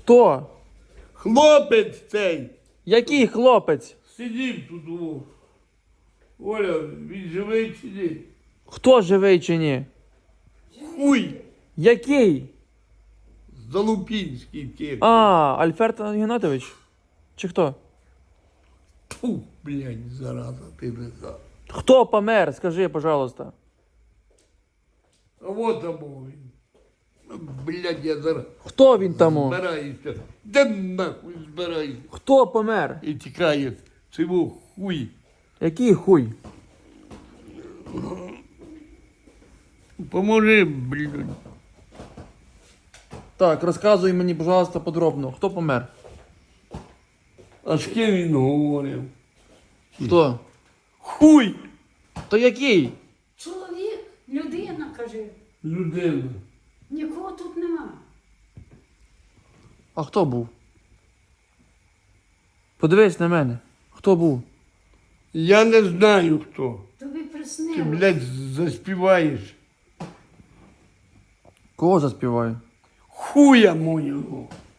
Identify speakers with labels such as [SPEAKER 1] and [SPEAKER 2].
[SPEAKER 1] Хто?
[SPEAKER 2] Хлопець цей.
[SPEAKER 1] Який хлопець?
[SPEAKER 2] Сидів тут. Оля, він живий чи ні?
[SPEAKER 1] Хто живий чи ні?
[SPEAKER 2] Хуй.
[SPEAKER 1] Який?
[SPEAKER 2] Залупінський тих.
[SPEAKER 1] А, Альферт Геннадійович? Чи хто?
[SPEAKER 2] Фу, блядь, зараза, ти не знав.
[SPEAKER 1] Хто помер? Скажи, пожалуйста.
[SPEAKER 2] А вот там він. Блядь, я зараз
[SPEAKER 1] Хто він тому?
[SPEAKER 2] збираюся. Де нахуй збираюся?
[SPEAKER 1] Хто помер?
[SPEAKER 2] І тікає. Цього хуй.
[SPEAKER 1] Який хуй?
[SPEAKER 2] Поможи, блядь.
[SPEAKER 1] Так, розказуй мені, пожалуйста, подробно. Хто помер?
[SPEAKER 2] А з ким він говорив?
[SPEAKER 1] Хто?
[SPEAKER 2] Хуй!
[SPEAKER 1] То який?
[SPEAKER 3] Чоловік, людина, каже,
[SPEAKER 2] Людина.
[SPEAKER 3] нікого тут нема.
[SPEAKER 1] А хто був? Подивись на мене. Хто був?
[SPEAKER 2] Я не знаю хто.
[SPEAKER 3] Тобі
[SPEAKER 2] Ти,
[SPEAKER 3] приснилось.
[SPEAKER 2] блядь, заспіваєш.
[SPEAKER 1] Кого заспіваю?
[SPEAKER 2] Хуя моєго.